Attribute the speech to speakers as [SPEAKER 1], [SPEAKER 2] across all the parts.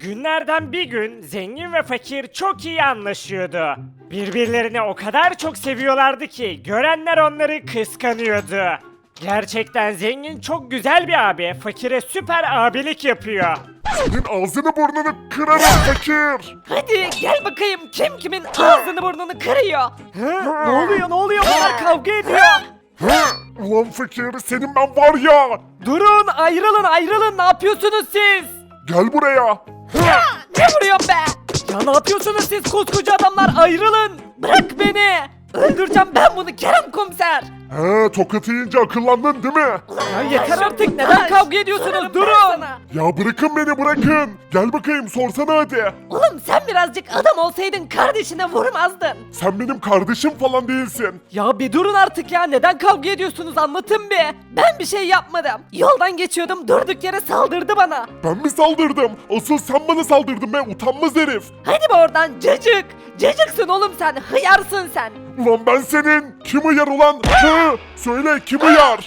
[SPEAKER 1] Günlerden bir gün zengin ve fakir çok iyi anlaşıyordu. Birbirlerini o kadar çok seviyorlardı ki görenler onları kıskanıyordu. Gerçekten zengin çok güzel bir abi, fakire süper abilik yapıyor.
[SPEAKER 2] Senin ağzını burnunu kırarım fakir.
[SPEAKER 3] Hadi gel bakayım kim kimin ağzını burnunu kırıyor.
[SPEAKER 1] Ne oluyor bunlar kavga ediyor.
[SPEAKER 2] Ulan fakir senin ben var ya.
[SPEAKER 3] Durun ayrılın ne yapıyorsunuz siz?
[SPEAKER 2] Gel buraya.
[SPEAKER 3] Ne vuruyorsun be? Ya ne yapıyorsunuz siz koskoca adamlar ayrılın. Bırak beni. Öldüreceğim ben bunu Kerem komiser.
[SPEAKER 2] Tokat yiyince akıllandın değil mi?
[SPEAKER 3] Ya yeter artık neden kavga ediyorsunuz durun.
[SPEAKER 2] Ya bırakın beni bırakın. Gel bakayım sorsana hadi.
[SPEAKER 3] Oğlum sen birazcık adam olsaydın kardeşine vurmazdın.
[SPEAKER 2] Sen benim kardeşim falan değilsin.
[SPEAKER 3] Ya bir durun artık ya neden kavga ediyorsunuz anlatın bir. Ben bir şey yapmadım. Yoldan geçiyordum durduk yere saldırdı bana.
[SPEAKER 2] Ben mi saldırdım? Asıl sen bana saldırdın be utanmaz herif.
[SPEAKER 3] Hadi be oradan cacık. Cacıksın oğlum sen hıyarsın sen.
[SPEAKER 2] Ulan ben senin. Kim uyar ulan? Söyle kim uyar?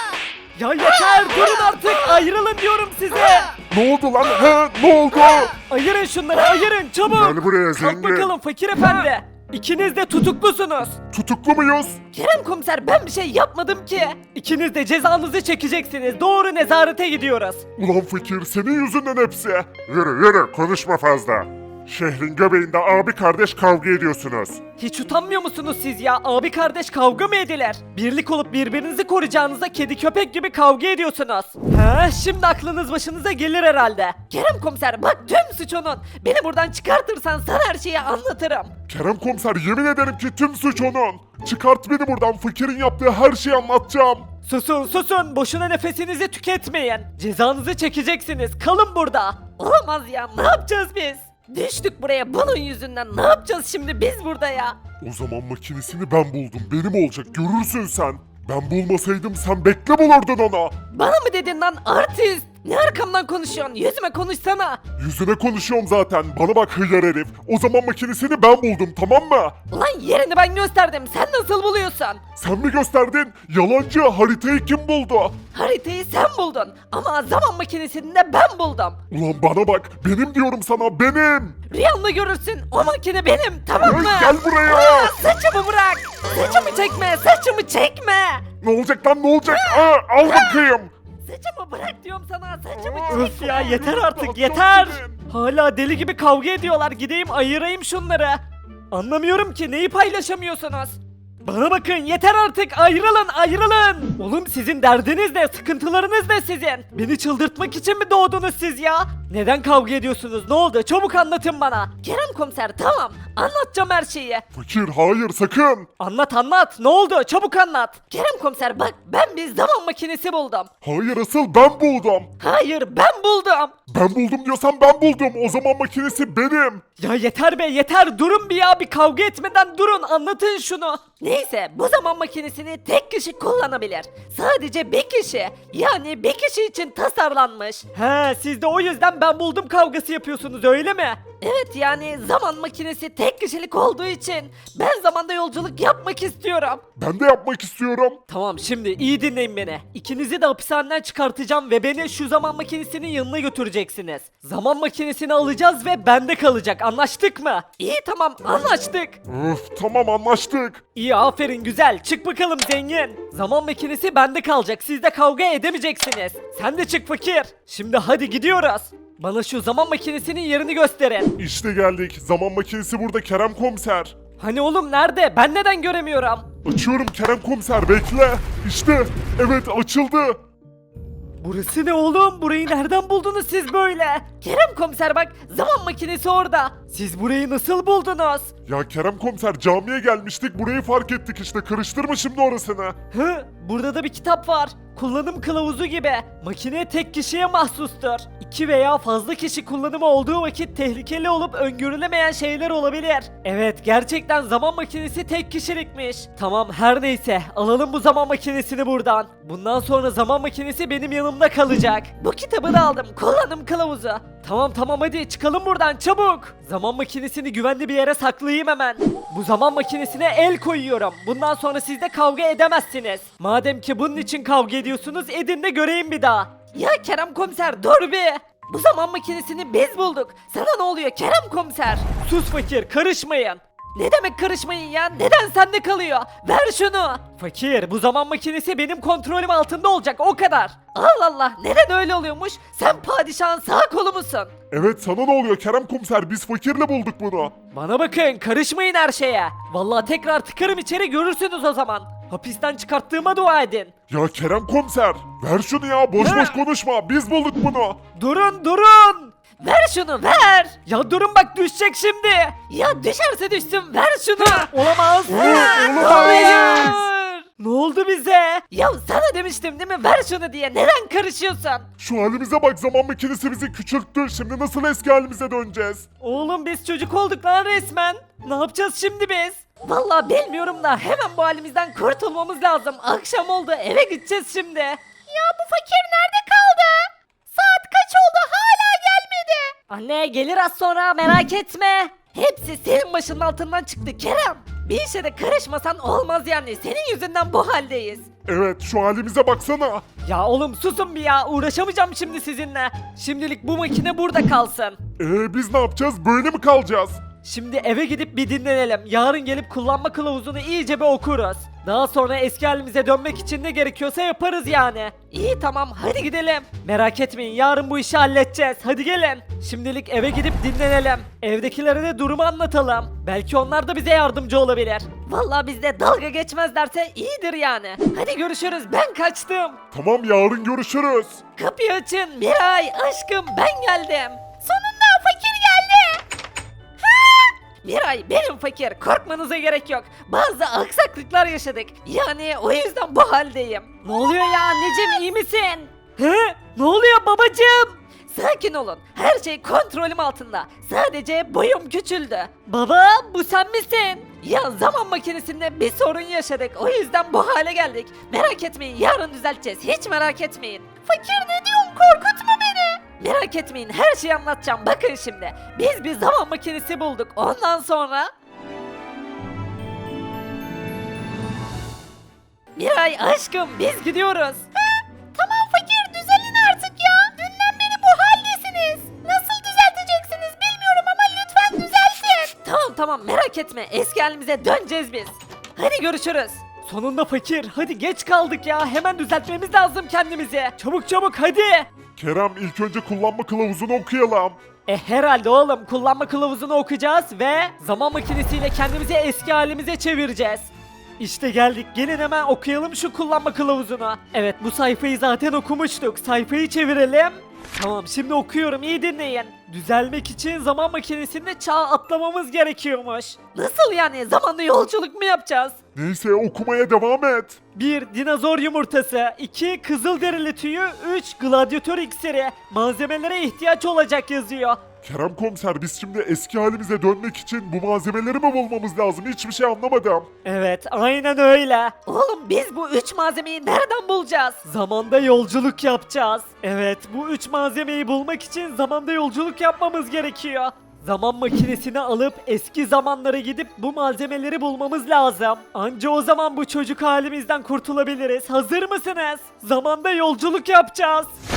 [SPEAKER 3] Ya yeter durun artık ayrılın diyorum size.
[SPEAKER 2] Ne oldu lan? Ne oldu?
[SPEAKER 3] Ayırın şunları ayırın çabuk.
[SPEAKER 2] Gel buraya
[SPEAKER 3] Kalk
[SPEAKER 2] zengin.
[SPEAKER 3] bakalım fakir efendi. İkiniz de tutuklusunuz.
[SPEAKER 2] Tutuklu muyuz?
[SPEAKER 3] Kerem komiser ben bir şey yapmadım ki. İkiniz de cezanızı çekeceksiniz. Doğru nezarete gidiyoruz.
[SPEAKER 2] Ulan fakir senin yüzünden hepsi. Yürü konuşma fazla. Şehrin göbeğinde abi kardeş kavga ediyorsunuz.
[SPEAKER 3] Hiç utanmıyor musunuz siz ya? Abi kardeş kavga mı edilir? Birlik olup birbirinizi koruyacağınıza kedi köpek gibi kavga ediyorsunuz. Şimdi aklınız başınıza gelir herhalde. Kerem komiser bak tüm suç onun. Beni buradan çıkartırsan sana her şeyi anlatırım.
[SPEAKER 2] Kerem komiser yemin ederim ki tüm suç onun. Çıkart beni buradan fakirin yaptığı her şeyi anlatacağım.
[SPEAKER 3] Susun boşuna nefesinizi tüketmeyin. Cezanızı çekeceksiniz kalın burada. Olamaz ya ne yapacağız biz? Düştük buraya bunun yüzünden ne yapacağız şimdi biz burada ya?
[SPEAKER 2] O zaman makinesini ben buldum. Benim olacak görürsün sen. Ben bulmasaydım sen bekle bulurdun ona.
[SPEAKER 3] Bana mı dedin lan artist? Ne arkamdan konuşuyorsun? Yüzüme konuşsana.
[SPEAKER 2] Yüzüne konuşuyorum zaten. Bana bak hıyar herif. O zaman makinesini ben buldum tamam mı?
[SPEAKER 3] Ulan yerini ben gösterdim. Sen nasıl buluyorsun?
[SPEAKER 2] Sen mi gösterdin? Yalancı haritayı kim buldu?
[SPEAKER 3] Haritayı sen buldun. Ama zaman makinesini de ben buldum.
[SPEAKER 2] Ulan bana bak. Benim diyorum sana benim.
[SPEAKER 3] Rüyanda görürsün. O makine benim. Tamam mı?
[SPEAKER 2] Gel buraya.
[SPEAKER 3] Saçımı bırak. Saçımı çekme. Saçımı çekme.
[SPEAKER 2] Ne olacak lan ne olacak? Al bakayım.
[SPEAKER 3] Saçımı bırak diyorum sana. Saçımı
[SPEAKER 1] Öf
[SPEAKER 3] çekme.
[SPEAKER 1] ya yeter artık yeter.
[SPEAKER 3] Hala deli gibi kavga ediyorlar. Gideyim ayırayım şunları. Anlamıyorum ki neyi paylaşamıyorsunuz? Bana bakın yeter artık ayrılın. Oğlum sizin derdiniz ne? Sıkıntılarınız ne sizin? Beni çıldırtmak için mi doğdunuz siz ya? Neden kavga ediyorsunuz? Ne oldu? Çabuk anlatın bana. Kerem komiser tamam. Anlatacağım her şeyi.
[SPEAKER 2] Fakir hayır sakın.
[SPEAKER 3] Anlat. Ne oldu? Çabuk anlat. Kerem komiser bak ben bir zaman makinesi buldum.
[SPEAKER 2] Hayır asıl ben buldum.
[SPEAKER 3] Hayır ben buldum.
[SPEAKER 2] Ben buldum diyorsan ben buldum. O zaman makinesi benim.
[SPEAKER 3] Ya yeter be yeter durun bir ya bir kavga etmeden durun anlatın şunu. Neyse bu zaman makinesini tek kişi kullanabilir. Sadece bir kişi yani bir kişi için tasarlanmış. He siz de o yüzden ben buldum kavgası yapıyorsunuz öyle mi? Evet yani zaman makinesi tek kişilik olduğu için ben zamanda yolculuk yapmak istiyorum.
[SPEAKER 2] Ben de yapmak istiyorum.
[SPEAKER 3] Tamam şimdi iyi dinleyin beni. İkinizi de hapishaneden çıkartacağım ve beni şu zaman makinesinin yanına götüreceksiniz. Zaman makinesini alacağız ve bende kalacak anlaştık mı? İyi tamam anlaştık.
[SPEAKER 2] Öf tamam anlaştık.
[SPEAKER 3] İyi aferin güzel çık bakalım zengin. Zaman makinesi bende kalacak siz de kavga edemeyeceksiniz. Sen de çık fakir. Şimdi hadi gidiyoruz. Bana şu zaman makinesinin yerini gösterin.
[SPEAKER 2] İşte geldik. Zaman makinesi burada Kerem komiser.
[SPEAKER 3] Hani oğlum nerede? Ben neden göremiyorum?
[SPEAKER 2] Açıyorum Kerem komiser bekle. İşte evet açıldı.
[SPEAKER 3] Burası ne oğlum? Burayı nereden buldunuz siz böyle? Kerem komiser bak zaman makinesi orada. Siz burayı nasıl buldunuz?
[SPEAKER 2] Ya Kerem komiser camiye gelmiştik burayı fark ettik işte karıştırma şimdi orasını.
[SPEAKER 3] Burada da bir kitap var. Kullanım kılavuzu gibi. Makine tek kişiye mahsustur. İki veya fazla kişi kullanımı olduğu vakit tehlikeli olup öngörülemeyen şeyler olabilir. Evet gerçekten zaman makinesi tek kişilikmiş. Tamam her neyse alalım bu zaman makinesini buradan. Bundan sonra zaman makinesi benim yanımda kalacak. Bu kitabı da aldım kullanım kılavuzu. Tamam hadi çıkalım buradan çabuk. Zaman makinesini güvenli bir yere saklayayım hemen. Bu zaman makinesine el koyuyorum. Bundan sonra siz de kavga edemezsiniz. Madem ki bunun için kavga ediyorsunuz edin de göreyim bir daha. Ya Kerem komiser dur bir. Bu zaman makinesini biz bulduk. Sana ne oluyor Kerem komiser? Sus fakir, karışmayın. Ne demek karışmayın ya? Neden sende kalıyor? Ver şunu. Fakir, bu zaman makinesi benim kontrolüm altında olacak, o kadar. Allah Allah, neden öyle oluyormuş? Sen padişahın sağ kolu musun?
[SPEAKER 2] Evet, sana ne oluyor Kerem komiser? Biz fakirle bulduk bunu.
[SPEAKER 3] Bana bakın, karışmayın her şeye. Vallahi tekrar tıkarım içeri, görürsünüz o zaman. Hapisten çıkarttığıma dua edin.
[SPEAKER 2] Ya Kerem komiser, ver şunu ya, boş boş konuşma, biz bulduk bunu.
[SPEAKER 3] Durun durun. Ver şunu ver. Ya durun bak, düşecek şimdi. Ya düşerse düşsün, ver şunu. Olamaz.
[SPEAKER 2] olamaz.
[SPEAKER 3] Hayır. Ne oldu bize? Ya sana demiştim değil mi, ver şunu diye, neden karışıyorsun?
[SPEAKER 2] Şu halimize bak, zaman makinesi bizi küçülttü, şimdi nasıl eski halimize döneceğiz?
[SPEAKER 3] Oğlum biz çocuk olduk lan resmen. Ne yapacağız şimdi biz? Vallahi bilmiyorum da hemen bu halimizden kurtulmamız lazım. Akşam oldu, eve gideceğiz şimdi. Ya bu fakir nerede kaldı? Saat kaç oldu, hala gelmedi. Anne gelir az sonra, merak etme. Hepsi senin başının altından çıktı Kerem. Bir işe de karışmasan olmaz yani, senin yüzünden bu haldeyiz.
[SPEAKER 2] Evet, şu halimize baksana.
[SPEAKER 3] Ya oğlum susun bir ya, uğraşamayacağım şimdi sizinle. Şimdilik bu makine burada kalsın.
[SPEAKER 2] Biz ne yapacağız, böyle mi kalacağız?
[SPEAKER 3] Şimdi eve gidip bir dinlenelim. Yarın gelip kullanma kılavuzunu iyice bir okuruz. Daha sonra eski halimize dönmek için ne gerekiyorsa yaparız yani. İyi tamam, hadi gidelim. Merak etmeyin, yarın bu işi halledeceğiz. Hadi gelin. Şimdilik eve gidip dinlenelim. Evdekilere de durumu anlatalım. Belki onlar da bize yardımcı olabilir. Vallahi bizde dalga geçmezlerse iyidir yani. Hadi görüşürüz, ben kaçtım.
[SPEAKER 2] Tamam, yarın görüşürüz.
[SPEAKER 3] Kapıyı açın Miray, aşkım ben geldim. Sonunda fakir geldi. Miray benim fakir, korkmanıza gerek yok. Bazı aksaklıklar yaşadık. Yani o yüzden bu haldeyim. Ne oluyor ya anneciğim, iyi misin? He? Ne oluyor babacığım? Sakin olun. Her şey kontrolüm altında. Sadece boyum küçüldü. Baba bu sen misin? Ya zaman makinesinde bir sorun yaşadık. O yüzden bu hale geldik. Merak etmeyin, yarın düzelteceğiz. Hiç merak etmeyin. Fakir ne diyorsun? Korkutma beni. Merak etmeyin, her şeyi anlatacağım. Bakın şimdi. Biz bir zaman makinesi bulduk. Ondan sonra... Miray aşkım biz gidiyoruz. Tamam fakir, düzelin artık ya. Dünden beri bu haldesiniz. Nasıl düzelteceksiniz bilmiyorum ama lütfen düzeltin. Tamam merak etme, eski halimize döneceğiz biz. Hadi görüşürüz. Sonunda fakir, hadi geç kaldık ya, hemen düzeltmemiz lazım kendimizi. Çabuk hadi.
[SPEAKER 2] Kerem, ilk önce kullanma kılavuzunu okuyalım.
[SPEAKER 3] Herhalde oğlum, kullanma kılavuzunu okuyacağız ve zaman makinesiyle kendimizi eski halimize çevireceğiz. İşte geldik, gelin hemen okuyalım şu kullanma kılavuzunu. Evet, bu sayfayı zaten okumuştuk, sayfayı çevirelim. Tamam, şimdi okuyorum, iyi dinleyin. Düzelmek için zaman makinesinde çağ atlamamız gerekiyormuş. Nasıl yani, zamanda yolculuk mu yapacağız?
[SPEAKER 2] Neyse, okumaya devam et.
[SPEAKER 3] 1. Dinozor yumurtası, 2. Kızılderili tüyü, 3. Gladyatör iksiri. Malzemelere ihtiyaç olacak yazıyor.
[SPEAKER 2] Kerem komiser, biz şimdi eski halimize dönmek için bu malzemeleri mi bulmamız lazım? Hiçbir şey anlamadım.
[SPEAKER 3] Evet, aynen öyle. Oğlum biz bu 3 malzemeyi nereden bulacağız? Zamanda yolculuk yapacağız. Evet, bu 3 malzemeyi bulmak için zamanda yolculuk yapmamız gerekiyor. Zaman makinesini alıp eski zamanlara gidip bu malzemeleri bulmamız lazım. Anca o zaman bu çocuk halimizden kurtulabiliriz. Hazır mısınız? Zamanda yolculuk yapacağız.